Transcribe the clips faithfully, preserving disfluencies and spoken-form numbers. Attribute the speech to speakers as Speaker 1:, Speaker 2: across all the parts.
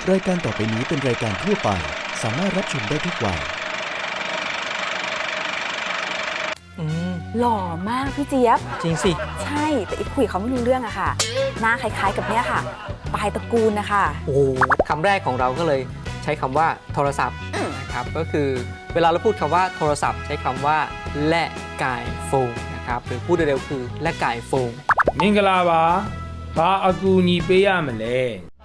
Speaker 1: รายการต่อไปนี้เป็นรายการทั่วไปสามารถรับชมได้ทุกวัย
Speaker 2: หล่อมากพี่เจี๊ยบ
Speaker 3: จริงสิ
Speaker 2: ใช่แต่อีกคุยเขาไม่รู้เรื่องอะค่ะหน้าคล้ายๆกับเนี้ยค่ะปลายตระกูลนะคะ
Speaker 3: โอ้คำแรกของเราก็เลยใช้คำว่าโทรศัพท์นะครับก็คือเวลาเราพูดคำว่าโทรศัพท์ใช้คำว่าและกายโฟนนะครับหรือพูดเร็วๆคือและกายโฟน
Speaker 4: မင်္ဂလာပါဘာအကူအညီပေးရမလဲ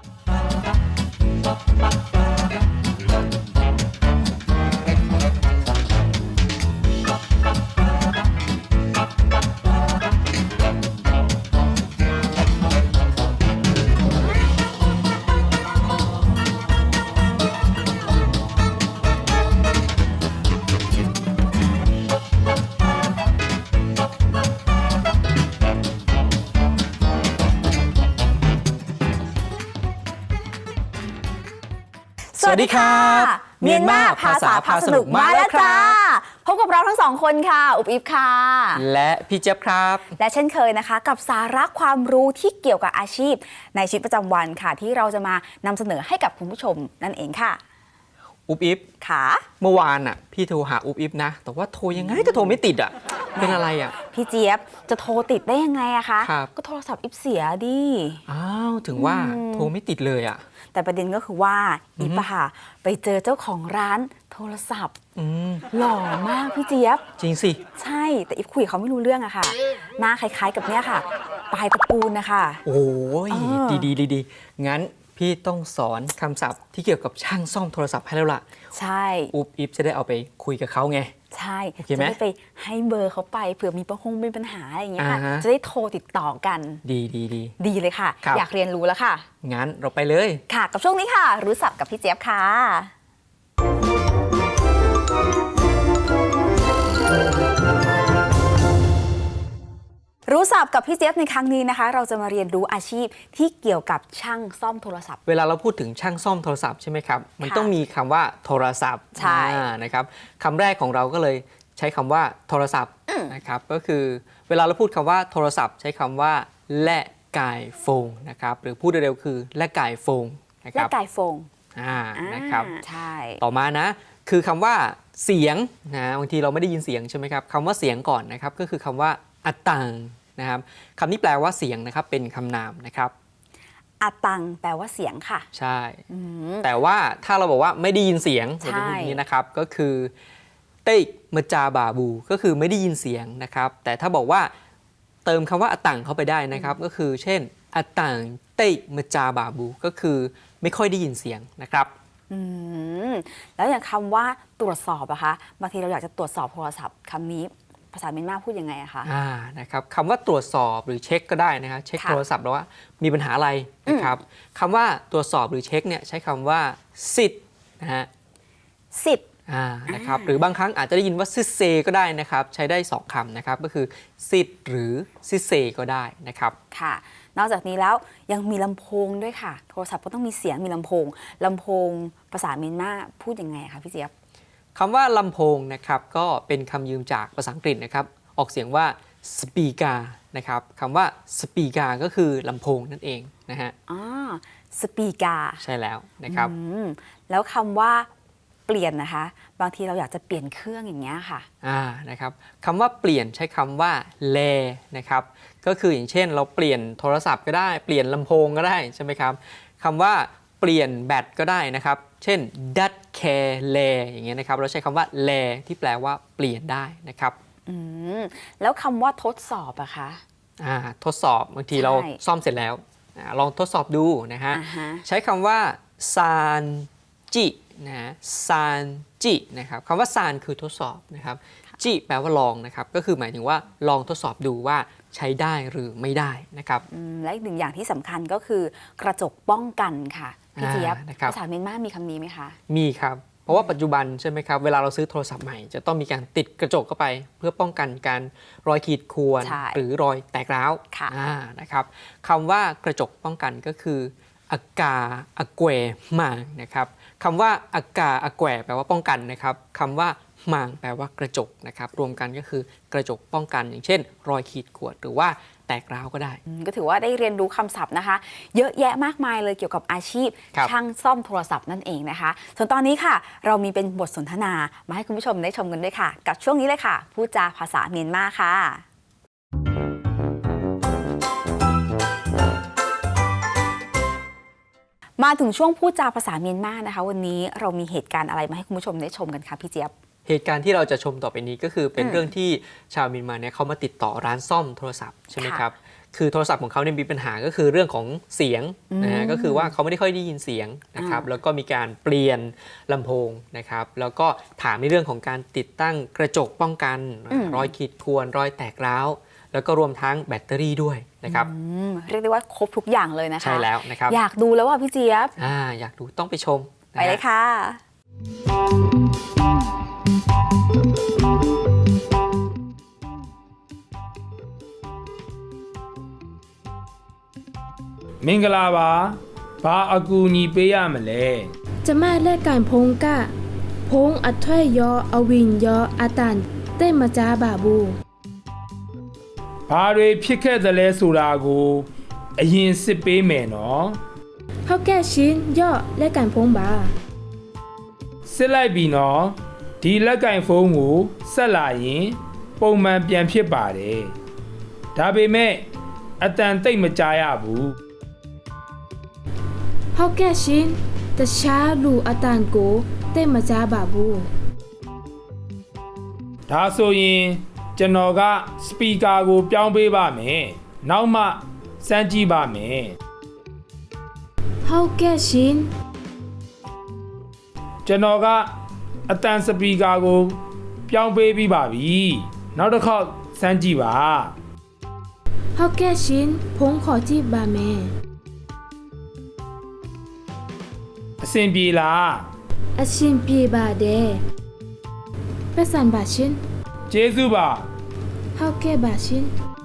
Speaker 3: สวัสดีครับ
Speaker 2: เมียนมาภาษาพาสนุกมาแล้วจ้าพบกับเราทั้งสองคนค่ะอุบอิบค่ะ
Speaker 3: และพี่เจี๊ยบครับ
Speaker 2: และเช่นเคยนะคะกับสาระความรู้ที่เกี่ยวกับอาชีพในชีวิตประจำวันค่ะที่เราจะมานำเสนอให้กับคุณผู้ชมนั่นเองค่ะ
Speaker 3: อุบอิบ
Speaker 2: ค่ะ
Speaker 3: เมื่อวานอ่ะพี่โทรหาอุบอิบนะแต่ว่าโทรยังไงก็โทรไม่ติดอ่ะเป็นอะไรอ่ะ
Speaker 2: พี่เจี๊ยบจะโทรติดได้ยังไงอะคะ
Speaker 3: ครับ
Speaker 2: ก็โทรศัพท์อิบเสียดิ
Speaker 3: อ้าวถึงว่าโทรไม่ติดเลยอ่ะ
Speaker 2: แต่ประเด็นก็คือว่าอีปะค่ะไปเจอเจ้าของร้านโทรศัพท์หล่อมากพี่เจี๊ยบ
Speaker 3: จริงสิ
Speaker 2: ใช่แต่อีฟคุยเขาไม่รู้เรื่องอะค่ะหน้าคล้ายๆกับเนี้ยค่ะปลายตระกูลนะคะ
Speaker 3: โอ้ยดีดีดีดีงั้นพี่ต้องสอนคำศัพท์ที่เกี่ยวกับช่างซ่อมโทรศัพท์ให้แล้วล่ะ
Speaker 2: ใช่
Speaker 3: อุ๊บอิฟจะได้เอาไปคุยกับเขาไง
Speaker 2: ใช่จะได้ไปให้เบอร์เขาไปเผื่อมีประหงมีปัญหาอะไรอย่างเงี้ยค่ะจะได้โทรติดต่อกัน
Speaker 3: ดีดีดี
Speaker 2: ดีเลยค่ะอยากเรียนรู้แล้วค่ะ
Speaker 3: งั้นเราไปเลย
Speaker 2: ค่ะกับช่วงนี้ค่ะรู้ศัพท์กับพี่เจี๊ยบค่ะรู้ศัพท์กับพี่เจี๊ยบในครั้งนี้นะคะเราจะมาเรียนรู้อาชีพที่เกี่ยวกับช่างซ่อมโทรศัพท์
Speaker 3: เวลาเราพูดถึงช่างซ่อมโทรศัพท์ใช่ไหมครับมันต้องมีคำว่าโทรศัพท์
Speaker 2: ใช่
Speaker 3: นะครับคำแรกของเราก็เลยใช้คำว่าโทรศัพท์นะครับก็คือเวลาเราพูดคำว่าโทรศัพท์ใช้คำว่าและกายโฟนนะครับหรือพูดเร็วๆคือและกายโฟนนะครับ
Speaker 2: และกายโฟน
Speaker 3: อ่านะครับ
Speaker 2: ใช่
Speaker 3: ต่อมานะคือคำว่าเสียงนะบางทีเราไม่ได้ยินเสียงใช่ไหมครับคำว่าเสียงก่อนนะครับก็คือคำว่าอัตตังนะครับคำนี้แปลว่าเสียงนะครับเป็นคำนามนะครับ
Speaker 2: อัตตังแปลว่าเสียงค่ะ
Speaker 3: ใช่แต่ว่าถ้าเราบอกว่าไม่ได้ยินเสียงแบบนี้นะครับก็คือเต้มจาบาบูก็คือไม่ได้ยินเสียงนะครับแต่ถ้าบอกว่าเติมคำว่าอัตตังเข้าไปได้นะครับก็คือเช่นอัตตังเต้มจาบาบูก็คือไม่ค่อยได้ยินเสียงนะครับ
Speaker 2: อืมแล้วอย่างคำว่าตรวจสอบอะคะบางทีเราอยากจะตรวจสอบโทรศัพท์คำนี้ภาษาเมียนมาพูดยังไงอะคะ
Speaker 3: อ่านะครับคำว่าตรวจสอบหรือเช็คก็ได้นะครับเช็คโทรศัพท์แล้วว่ามีปัญหาอะไรนะครับคำว่าตรวจสอบหรือเช็คเนี่ยใช้คำว่าสิทธิ์นะฮะ
Speaker 2: สิทธิ์
Speaker 3: อ่านะครับหรือบางครั้งอาจจะได้ยินว่าซิเซก็ได้นะครับใช้ได้สองคำนะครับก็คือสิทธิ์หรือซิเซก็ได้นะครับ
Speaker 2: ค่ะนอกจากนี้แล้วยังมีลำโพงด้วยค่ะโทรศัพท์ก็ต้องมีเสียงมีลำโพงลำโพงภาษาเมียนมาพูดยังไงคะพี่เจี๊ยบ
Speaker 3: คำว่าลำโพงนะครับก็เป็นคำยืมจากภาษาอังกฤษนะครับออกเสียงว่าสปีกานะครับคำว่าสปีกาก็คือลำโพงนั่นเองนะฮะ
Speaker 2: อ๋อสปีกา
Speaker 3: ใช่แล้วนะครับ
Speaker 2: แล้วคำว่าเปลี่ยนนะคะบางทีเราอยากจะเปลี่ยนเครื่องอย่างเงี้ยค่ะ
Speaker 3: อ่านะครับคำว่าเปลี่ยนใช้คำว่าแลนะครับก็คืออย่างเช่นเราเปลี่ยนโทรศัพท์ก็ได้เปลี่ยนลำโพงก็ได้ใช่ไหมครับคำว่าเปลี่ยนแบตก็ได้นะครับเช่น ดัดแคร์แลอย่างเงี้ยนะครับเราใช้คำว่าแลที่แปลว่าเปลี่ยนได้นะครับ
Speaker 2: อืมแล้วคำว่าทดสอบอะคะ
Speaker 3: อ่าทดสอบบางทีเราซ่อมเสร็จแล้วลองทดสอบดูนะฮะใช้คำว่าซานจินะซานจินะครับคำว่าซานคือทดสอบนะครับจิแปลว่าลองนะครับก็คือหมายถึงว่าลองทดสอบดูว่าใช้ได้หรือไม่ได้นะครับ
Speaker 2: และอีกหนึ่งอย่างที่สำคัญก็คือกระจกป้องกันค่ะพี่เจี๊ยบภาษาเมียนมามีคำนี้ไหมคะ
Speaker 3: มีครับเพราะว่าปัจจุบันใช่ไหมครับเวลาเราซื้อโทรศัพท์ใหม่จะต้องมีการติดกระจกเข้าไปเพื่อป้องกันการรอยขีดข่วนหรือรอยแตกร้าวนะครับคำว่ากระจกป้องกันก็คืออากาอแกวมางนะครับคำว่าอากาอแกวแปลว่าป้องกันนะครับคำว่ามางแปลว่ากระจกนะครับรวมกันก็คือกระจกป้องกันอย่างเช่นรอยขีดข่วนหรือว่าแตกร้าวก็ได้
Speaker 2: อืมก็ถือว่าได้เรียนรู้คำศัพท์นะคะ เยอะแยะมากมายเลยเกี่ยวกับอาชีพ
Speaker 3: ครับ
Speaker 2: ช่างซ่อมโทรศัพท์นั่นเองนะคะ ส่วนตอนนี้ค่ะ เรามีเป็นบทสนทนามาให้คุณผู้ชมได้ชมกันด้วยค่ะ กับช่วงนี้เลยค่ะพูดจาภาษาเมียนมาค่ะ มาถึงช่วงพูดจาภาษาเมียนมานะคะ วันนี้เรามีเหตุการณ์อะไรมาให้คุณผู้ชมได้ชมกันคะพี่เจี๊ยบ
Speaker 3: เหตุการณ์ที่เราจะชมต่อไปนี้ก็คือเป็น
Speaker 2: อืม
Speaker 3: เรื่องที่ชาวเมียนมาเนี่ยเขามาติดต่อร้านซ่อมโทรศัพท์ใช่ไหม
Speaker 2: ค่ะ
Speaker 3: ครับคือโทรศัพท์ของเขาเนี่ยมีปัญหาก็คือเรื่องของเสียงนะฮะ
Speaker 2: อืม
Speaker 3: ก็คือว่าเขาไม่ได้ค่อยได้ยินเสียงนะครับ
Speaker 2: อ่า
Speaker 3: แล้วก็มีการเปลี่ยนลำโพงนะครับแล้วก็ถามในเรื่องของการติดตั้งกระจกป้องกัน
Speaker 2: อืม
Speaker 3: รอยขีดข่วนรอยแตกร้าวแล้วก็รวมทั้งแบตเตอรี่ด้วยนะครับ
Speaker 2: อืมเรียกได้ว่าครบทุกอย่างเลยนะคะ
Speaker 3: ใช่แล้วนะครับ
Speaker 2: อยากดูแล้วว่าพี่เจี๊ยบ
Speaker 3: อ่าอยากดูต้องไปชมนะ
Speaker 2: ไป
Speaker 3: ฮะ
Speaker 2: เลยค่ะ
Speaker 4: မင်္ဂလာပါဘာအကူအညီပေးရမလဲ
Speaker 5: จะมาแลกการพงกะ พงอัดถ้อยยออวินยออาตันเต้มาจ้าบาบู
Speaker 4: ဘာတွေဖြစ်ခဲ့သလဲဆိုတာကိုအရင်စစ်ပေးမယ်နော်
Speaker 5: เขาแก้ชิ้นยอแลกการพงบา
Speaker 4: စစ်လိုက်ပြီနော်ဒီလက်ကင်ဖုန်းကိုဆက်လာရင်ပုံမှန်ပြန်ဖြစ်ပါတယ်ဒါပေမဲ့အတန်တိတ်မကြားရဘူး
Speaker 5: เขาแก้ชิ้นแต่ช้าลูอาตันโกเต้มาจ้าบาบู
Speaker 4: ဒါဆိုရင်ကျွန်တော်ကစပီကာကိုပြောင်းပေးပါမယ်နောက်မှစမ်းကြည့်ပါမယ်
Speaker 5: เขาแก้ชิ้น
Speaker 4: ကျွန်တော်ကအတန်စပီကာကိုပြောင်းပေးပြီးပါပြီနောက်တစ်ခေါက်စမ်းကြည့်ပါ
Speaker 5: เขาแก้ชิ้นพงขอจีบบาแม่
Speaker 4: အဆင်ပြေလား
Speaker 5: อาชินปีบาเดเปสันบาชิน
Speaker 4: ကျေးဇူးပါ
Speaker 5: เขาแก้บาชิน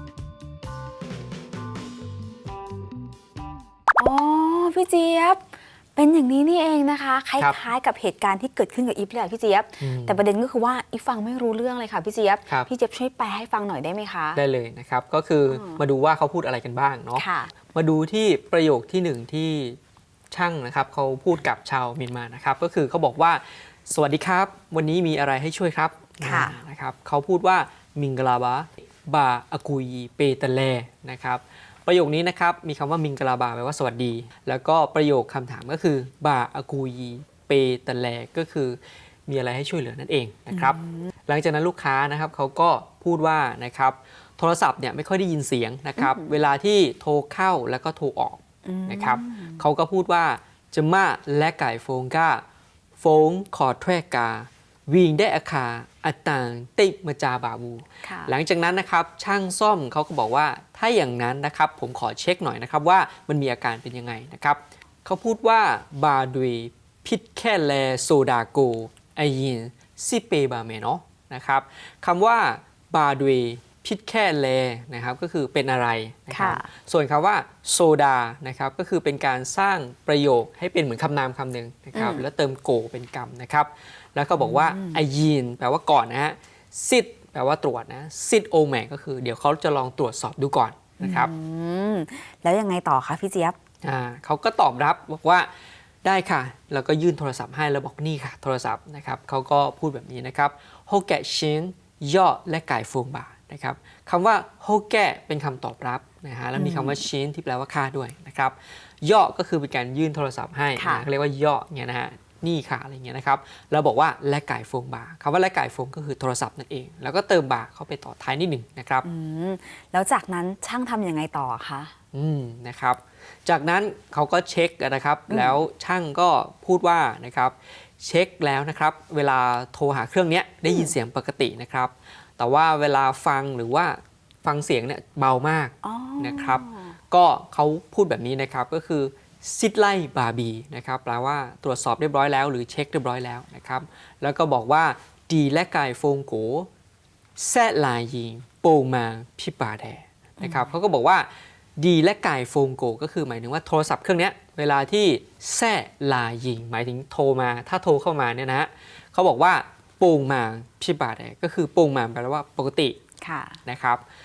Speaker 2: อ๋อพี่เจี๊ยบ เป็นอย่างนี้นี่เองนะคะค
Speaker 3: ครับ
Speaker 2: ล้ายๆกับเหตุการณ์ที่เกิดขึ้นกับอีฟเลยอะพี่เจี๊ยบ
Speaker 3: อืม
Speaker 2: แต่ประเด็นก็คือว่าอีฟฟังไม่รู้เรื่องเลยค่ะพี่เจี๊ยบ
Speaker 3: ครับ
Speaker 2: พี่เจี๊ยบช่วยแปลให้ฟังหน่อยได้ไหมคะ
Speaker 3: ได้เลยนะครับก็คืออ
Speaker 2: ม
Speaker 3: มาดูว่าเขาพูดอะไรกันบ้างเนาะ
Speaker 2: ค่ะ
Speaker 3: มาดูที่ประโยคที่หนึ่งที่ช่างนะครับเขาพูดกับชาวเมียนมานะครับก็คือเขาบอกว่าสวัสดีครับ วันนี้มีอะไรให้ช่วยครับ
Speaker 2: ค่ะ
Speaker 3: อ่านะครับเขาพูดว่ามิงกลาบาบาอากุยเปตะเลนะครับประโยคนี้นะครับมีคำว่ามิงกลาบาแปลว่าสวัสดี แล้วก็ประโยคคำถามก็คือบาอากุยเปตะเลก็คือมีอะไรให้ช่วยเหลือนั่นเองนะครับ หลังจากนั้นลูกค้านะครับเขาก็พูดว่านะครับโทรศัพท์เนี่ยไม่ค่อยได้ยินเสียงนะครับเวลาที่โทรเข้าแล้วก็โทรออกนะครับเขาก็พูดว่าจะมาและไก่โฟงก้าโฟงขอแทรกกาวิ่งได้อาคาอัตตังติมาจาบาบู
Speaker 2: ค่ะ
Speaker 3: หลังจากนั้นนะครับช่างซ่อมเขาก็บอกว่าถ้าอย่างนั้นนะครับผมขอเช็คหน่อยนะครับว่ามันมีอาการเป็นยังไงนะครับเขาพูดว่าบาดุยพิษแค่แลโซดาโกไอยินซิเปบาเมเนาะนะครับคำว่าบาดุยพิษแค่แลนะครับก็คือเป็นอะไรนะครับ
Speaker 2: ค่ะ
Speaker 3: ส่วนคำว่าโซดานะครับก็คือเป็นการสร้างประโยคให้เป็นเหมือนคำนามคำหนึ่งนะครับแล้วเติมโกเป็นกรรมนะครับแล้วก็บอกว่าไอยินแปลว่าก่อนนะฮะซิดแปลว่าตรวจนะซิดโอแมก็คือเดี๋ยวเขาจะลองตรวจสอบดูก่อนนะครับ
Speaker 2: อืมแล้วยังไงต่อคะพี่เจี๊ยบ
Speaker 3: อ่าเขาก็ตอบรับบอกว่าได้ค่ะ แล้วก็ยื่นโทรศัพท์ให้แล้วบอกนี่ค่ะโทรศัพท์นะครับเขาก็พูดแบบนี้นะครับโฮแกะชินย่อและไก่ฟงบานะครับคำว่าโฮแกะเป็นคำตอบรับนะฮะแล้วมีคำว่าชินที่แปลว่าค่าด้วยนะครับย่อก็คือเป็นการยื่นโทรศัพท์ให้
Speaker 2: ค่ะ
Speaker 3: นะเขาเรียกว่าย่อเนี่ยนะฮะนี่ค่ะอะไรเงี้ยนะครับแล้วบอกว่าและไก่ฟงบาคำว่าและไก่ฟงก็คือโทรศัพท์นั่นเอง แล้วก็เติมบาเข้าไปต่อท้ายนิดหนึ่งนะครับ
Speaker 2: อืมแล้วจากนั้นช่างทำยังไงต่อคะ
Speaker 3: อืมนะครับจากนั้นเขาก็เช็คนะครับแล้วช่างก็พูดว่านะครับเช็คแล้วนะครับเวลาโทรหาเครื่องเนี้ยได้ยินเสียงปกตินะครับแต่ว่าเวลาฟังหรือว่าฟังเสียงเนี่ยเบามาก
Speaker 2: อ๋อ
Speaker 3: นะครับก็เขาพูดแบบนี้นะครับก็คือซิดไลบาบีนะครับแปลว่าตรวจสอบเรียบร้อยแล้วหรือเช็คเรียบร้อยแล้วนะครับแล้วก็บอกว่าดีและกายโฟงโกแซลายยิงโปมาพิปาแดนะครับเขาก็บอกว่าดีและกายโฟงโกก็คือหมายถึงว่าโทรศัพท์เครื่องนี้เวลาที่แซลายยิงหมายถึงโทรมาถ้าโทรเข้ามาเนี่ยนะฮะเขาบอกว่าโปงมาพิปาแดก็คือโปงมาแปลว่าปกติ
Speaker 2: ค่ะ
Speaker 3: นะครับ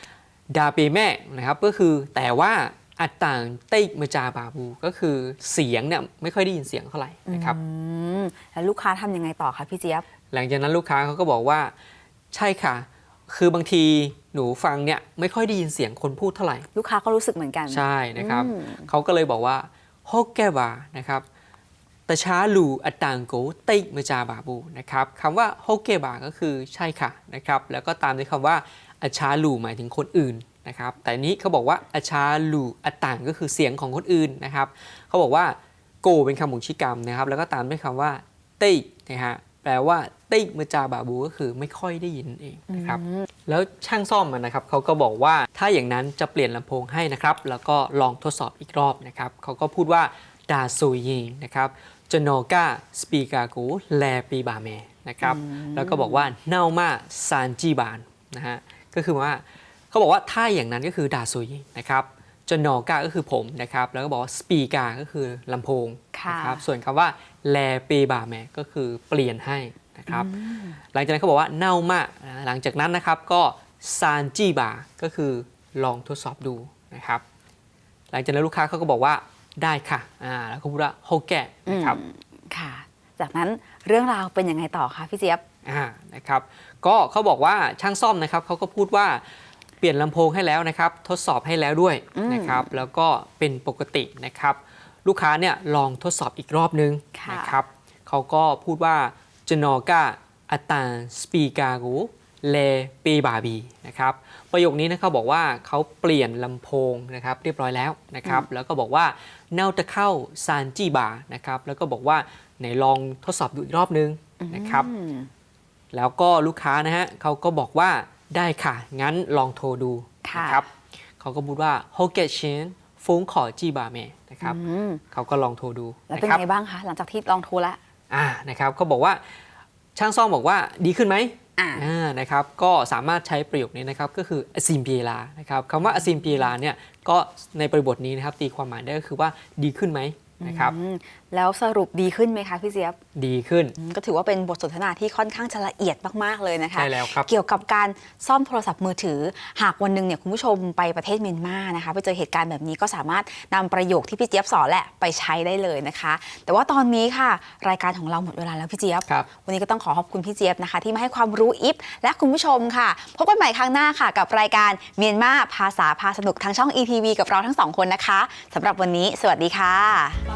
Speaker 3: ดาเปแม่นะครับก็คือแต่ว่าอัตต่างเต้มาจาบาบูก็คือเสียงเนี่ยไม่ค่อยได้ยินเสียงเท่าไหร่นะครับ
Speaker 2: อืมแล้วลูกค้าทำยังไงต่อคะพี่เจี๊ยบ
Speaker 3: หลังจากนั้นลูกค้าเขาก็บอกว่าใช่ค่ะคือบางทีหนูฟังเนี่ยไม่ค่อยได้ยินเสียงคนพูดเท่าไหร่
Speaker 2: ลูกค้าก็รู้สึกเหมือนกัน
Speaker 3: ใช่นะครับ
Speaker 2: อืม
Speaker 3: เขาก็เลยบอกว่าฮอกแกบานะครับแต่ช้าลูอัตตังโกเต้มาจาบาบูนะครับคำว่าฮอกแกบาก็คือใช่ค่ะนะครับแล้วก็ตามด้วยคำว่าอัชาลูหมายถึงคนอื่นนะครับแต่นี้เขาบอกว่าอัชาลูอัตตังก็คือเสียงของคนอื่นนะครับเขาบอกว่าโกเป็นคำบ่งชี้กรรมนะครับแล้วก็ตามด้วยคำว่าเต้นะฮะแปลว่าเต้มาจาบาบูก็คือไม่ค่อยได้ยินเองนะครับแล้วช่างซ่อมนะครับเขาก็บอกว่าถ้าอย่างนั้นจะเปลี่ยนลำโพงให้นะครับแล้วก็ลองทดสอบอีกรอบนะครับเขาก็พูดว่าดาโซยิงนะครับจโนกาสปีกากูแลปีบาเมนะครับแล้วก็บอกว่าเน่ามาซานจีบานนะฮะก็คือว่าเขาบอกว่าถ้าอย่างนั้นก็คือดาโซยิงนะครับจโนกาก็คือผมนะครับแล้วก็บอกว่าสปีกาก็คือลำโพงนะครับส่วนคำว่าแลปีบาเมก็คือเปลี่ยนให้นะครับหลังจากนั้นเขาบอกว่าเน่ามากหลังจากนั้นนะครับก็ซานจีบาก็คือลองทดสอบดูนะครับหลังจากนั้นลูกค้าเขาก็บอกว่าได้ค่ะอ่าแล้วก็พูดว่าโฮแกะนะครับ
Speaker 2: ค่ะ จากนั้นเรื่องราวเป็นยังไงต่อคะพี่เจี๊ยบ
Speaker 3: อ่านะครับก็เขาบอกว่าช่างซ่อมนะครับเขาก็พูดว่าเปลี่ยนลำโพงให้แล้วนะครับทดสอบให้แล้วด้วยนะครับแล้วก็เป็นปกตินะครับลูกค้าเนี่ยลองทดสอบอีกรอบนึง
Speaker 2: ค่ะ
Speaker 3: นะครับเขาก็พูดว่าจนอกาอัตตาสปีกากูเลเปบาบีนะครับประโยคนี้นะครับบอกว่าเขาเปลี่ยนลำโพงนะครับเรียบร้อยแล้วนะครับแล้วก็บอกว่าเน่าจะเข้าซานจีบานะครับแล้วก็บอกว่าไหนลองทดสอบดูอีกรอบนึงนะครับ
Speaker 2: อืม
Speaker 3: แล้วก็ลูกค้านะฮะเขาก็บอกว่าได้ค่ะงั้นลองโทรดู
Speaker 2: ค่ะ
Speaker 3: นะครับเขาก็พูดว่าโฮเกชินฟงขอจีบาเมนะครับ
Speaker 2: อืม
Speaker 3: เขาก็ลองโทรดู
Speaker 2: แล้ว
Speaker 3: นะ
Speaker 2: เป็น
Speaker 3: ครับ
Speaker 2: ไงบ้างคะ หลังจากที่ลองโทรแล้ว
Speaker 3: อ่านะครับเขาบอกว่าช่างซ่อมบอกว่าดีขึ้นไหม
Speaker 2: อ่า
Speaker 3: อ่านะครับก็สามารถใช้ประโยคนี้นะครับก็คืออซิมเปียลานะครับคำว่าอซิมเปียลาเนี่ยก็ในบริบทนี้นะครับตีความหมายได้ก็คือว่าดีขึ้นไหมนะครับ
Speaker 2: อืมแล้วสรุปดีขึ้นไหมคะพี่เจี๊ยบ
Speaker 3: ดีขึ้น
Speaker 2: อืมก็ถือว่าเป็นบทสนทนาที่ค่อนข้างจะละเอียดมากๆเลยนะคะ
Speaker 3: ใช่แล้วครับ
Speaker 2: เกี่ยวกับการซ่อมโทรศัพท์มือถือ หากวันหนึ่งเนี่ยคุณผู้ชมไปประเทศเมียนมานะคะไปเจอเหตุการณ์แบบนี้ก็สามารถนำประโยคที่พี่เจี๊ยบสอนแหละไปใช้ได้เลยนะคะ แต่ว่าตอนนี้ค่ะรายการของเราหมดเวลาแล้วพี่เจี๊ยบ
Speaker 3: ครับ
Speaker 2: วันนี้ก็ต้องขอขอบคุณพี่เจี๊ยบนะคะ ที่มาให้ความรู้อิฟและคุณผู้ชมค่ะพบกันใหม่ครั้งหน้าค่ะ กับรายการเมียนมาภาษาพาสนุกทางช่อง อี ที วี กับเราทั้งสองคนนะคะสำหรับวันนี้สวัสดีค่ะ